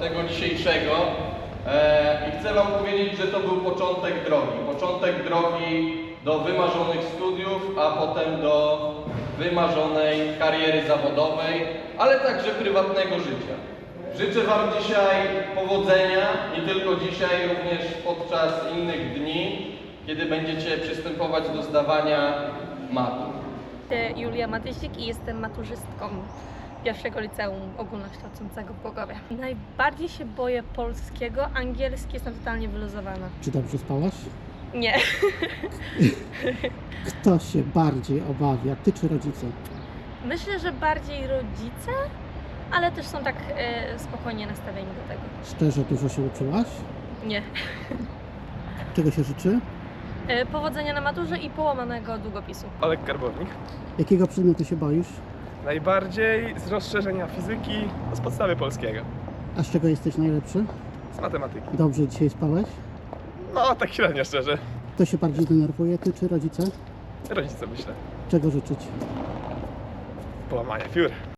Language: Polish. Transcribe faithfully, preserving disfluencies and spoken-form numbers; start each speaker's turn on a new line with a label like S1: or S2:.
S1: tego dzisiejszego e, i chcę Wam powiedzieć, że to był początek drogi. Początek drogi do wymarzonych studiów, a potem do wymarzonej kariery zawodowej, ale także prywatnego życia. Życzę Wam dzisiaj powodzenia, nie tylko dzisiaj, również podczas innych dni, kiedy będziecie przystępować do zdawania matur.
S2: Jestem Julia Matysik i jestem maturzystką pierwszego liceum ogólnokształcącego w Głogowie. Najbardziej się boję polskiego, angielski jestem totalnie wyluzowana.
S3: Czy dobrze spałaś?
S2: Nie.
S3: Kto się bardziej obawia, ty czy rodzice?
S2: Myślę, że bardziej rodzice, ale też są tak e, spokojnie nastawieni do tego.
S3: Szczerze, dużo się uczyłaś?
S2: Nie.
S3: Czego się życzy?
S2: E, powodzenia na maturze i połamanego długopisu.
S4: Olek Karbownik.
S3: Jakiego przedmiotu się boisz?
S4: Najbardziej z rozszerzenia fizyki, no z podstawy polskiego,
S3: A z czego jesteś najlepszy?
S4: z matematyki.
S3: Dobrze dzisiaj spałeś?
S4: No, tak średnio szczerze.
S3: Kto się bardziej denerwuje, ty czy rodzice?
S4: Rodzice myślę.
S3: Czego życzyć?
S4: Połamania piór.